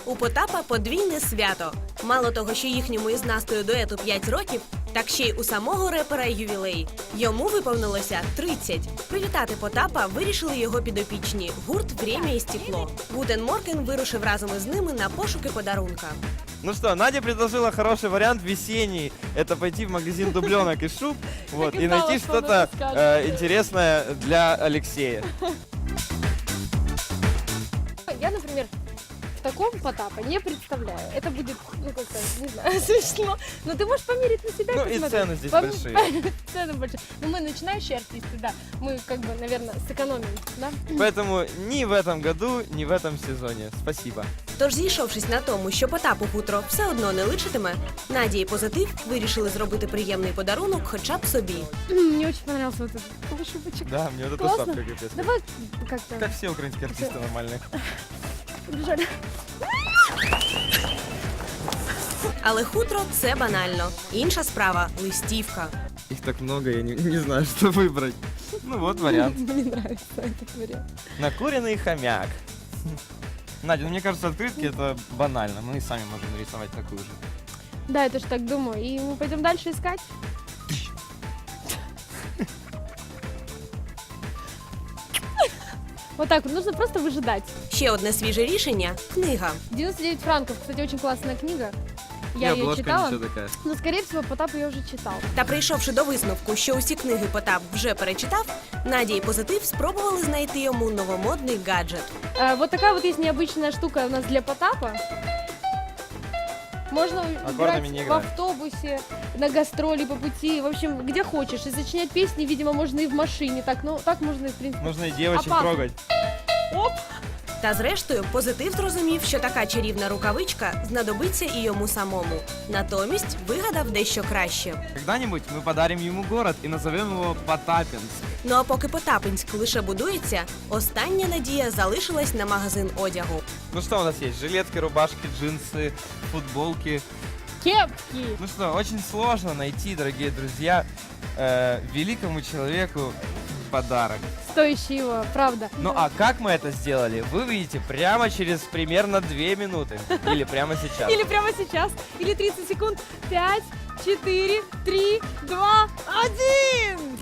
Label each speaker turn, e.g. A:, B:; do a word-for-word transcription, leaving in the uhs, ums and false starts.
A: У Потапа подвійне свято. Мало того, що їхньому із Настею дуету п'ять років, так ще й у самого репера ювілей. Йому виповнилося тридцять. Привітати Потапа вирішили його підопічні – гурт «Время і стекло». Гутен Морген вирушив разом із ними на пошуки подарунка.
B: Ну что, Надя предложила хороший вариант весенний. Это пойти в магазин дубленок и шуб вот,
C: и
B: и
C: знала,
B: найти
C: что
B: что-то
C: она скажет.
B: э, интересное для Алексея.
C: Я, например, в таком Потапа не представляю. Это будет, ну как-то, не знаю, смешно. Но ты можешь померить на себя.
B: Ну и
C: посмотреть.
B: цены здесь
C: Пом-
B: большие.
C: Цены большие. Но мы начинающие артисты, да. Мы, как бы, наверное, сэкономим, да?
B: Поэтому ни в этом году, ни в этом сезоне. Спасибо.
A: Тож, зійшовшись на тому, що Потапу хутро все одно не личитиме, Надя і Позитив вирішили зробити приємний подарунок хоча б собі.
C: Мне очень понравился вот этот полушубочек.
B: Да, мне вот эта
C: Классно.
B: шапка капец.
C: Давай как-то
B: Как все украинские артисты нормальные.
C: побежали.
A: Але хутро – це банально. Інша справа – листівка.
B: Их так много, я не, не знаю, что выбрать. Ну вот вариант.
C: Мне нравится этот вариант.
B: Накуренный хомяк. Надя, ну мне кажется, открытки это банально. Мы и сами можем нарисовать такую же.
C: Да, я тоже так думаю. И мы пойдем дальше искать. Вот так вот, нужно просто выжидать.
A: Ще одне свіже рішення – книга.
C: девяносто девять франков, кстати, очень классная книга.
B: И
C: Я ее
B: обложка
C: читала,
B: ничего такая.
C: но, скорее всего, Потап ее уже читал.
A: Та прийшовши до висновку, що усі книги Потап вже перечитав, Надя і Позитив спробували знайти йому новомодний гаджет.
C: А, вот такая вот есть необычная штука у нас для Потапа. Можно
B: Аккордами
C: играть
B: не
C: в
B: играем.
C: автобусе, на гастроли, по пути, в общем, где хочешь. И сочинять песни, видимо, можно и в машине. Так, ну, так можно и, в принципе.
B: Можно и девочек
C: Опасно.
B: трогать.
C: Оп!
A: Та зрештою, Позитив зрозумів, що така чарівна рукавичка знадобиться і йому самому. Натомість вигадав дещо краще.
B: Когда-нибудь мы подарим ему город и назовем его Потапинск.
A: Ну а поки Потапинськ лише будується, остання надія залишилась на магазин одягу.
B: Ну что у нас есть? Жилетки, рубашки, джинсы, футболки.
C: Кепки!
B: Ну что, очень сложно найти, дорогие друзья, э, великому человеку подарок.
C: Стоящий его, правда.
B: Ну а как мы это сделали, вы увидите прямо через примерно две минуты. Или прямо сейчас.
C: Или прямо сейчас, или тридцать секунд. Пять, четыре, три, два, один!